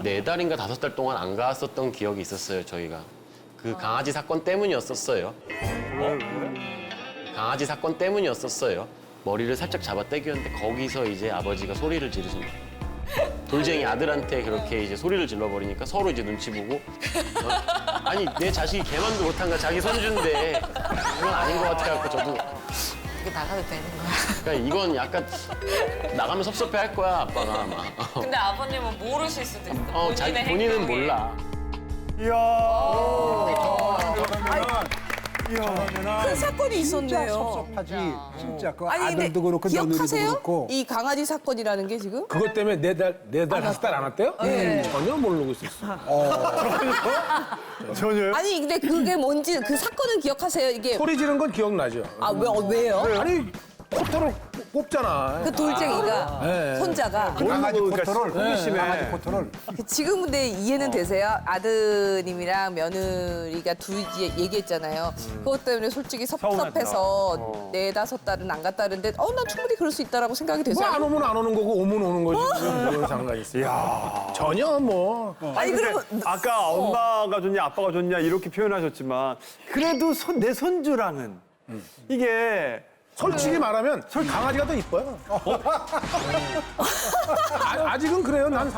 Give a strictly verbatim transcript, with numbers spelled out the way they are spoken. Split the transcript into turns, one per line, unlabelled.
네 달인가 다섯 달 동안 안 갔었던 기억이 있었어요, 저희가. 그 강아지 사건 때문이었었어요. 강아지 사건 때문이었었어요. 머리를 살짝 잡아 당겼는데 거기서 이제 아버지가 소리를 지르신 거예요. 돌쟁이 아들한테 그렇게 이제 소리를 질러버리니까 서로 이제 눈치 보고 어, 아니 내 자식이 개만도 못한가 자기 손주인데 이건 아닌 것 같아갖고 저도
이게 나가도 되는 거야.
그러니까 이건 약간 나가면 섭섭해 할 거야 아빠가 아마.
근데 아버님은 모르실 수도 있어.
어, 자기 본인은
행동이.
몰라.
큰 사건이 있었네요.
섭섭하지. 진짜 그
아니 근데
아들도 그렇고 며느리도
기억하세요?
그렇고.
이 강아지 사건이라는 게 지금?
그것 때문에 네 달, 네 달, 다섯 달 안 왔대요?
네.
전혀 모르고 있었어.
전혀요?
아니 근데 그게 뭔지 그 사건은 기억하세요? 이게
소리 지른 건 기억나죠?
아 왜, 어, 왜요?
아니, 코터를 꼽잖아.
그 돌쟁이가
네.
손자가
그 강아지
그러니까
코터를
호기심에.
강아지 코터를
지금 근데 이해는 되세요? 아드님이랑 며느리가 둘이 얘기했잖아요. 그것 때문에 솔직히 섭섭해서 네 다섯 달은 안 갔다는데 어 난 충분히 그럴 수 있다라고 생각이 되지
뭐 안
않아요?
오면 안 오는 거고 오면 오는 거지. 무슨 상관이 있어. 전혀 뭐.
아니
근데
그러면
아까 엄마가 좋냐 아빠가 좋냐 이렇게 표현하셨지만 그래도 손, 내 손주라는 이게
솔직히 말하면 강아지가 더 이뻐요. 아, 아직은 그래요. 난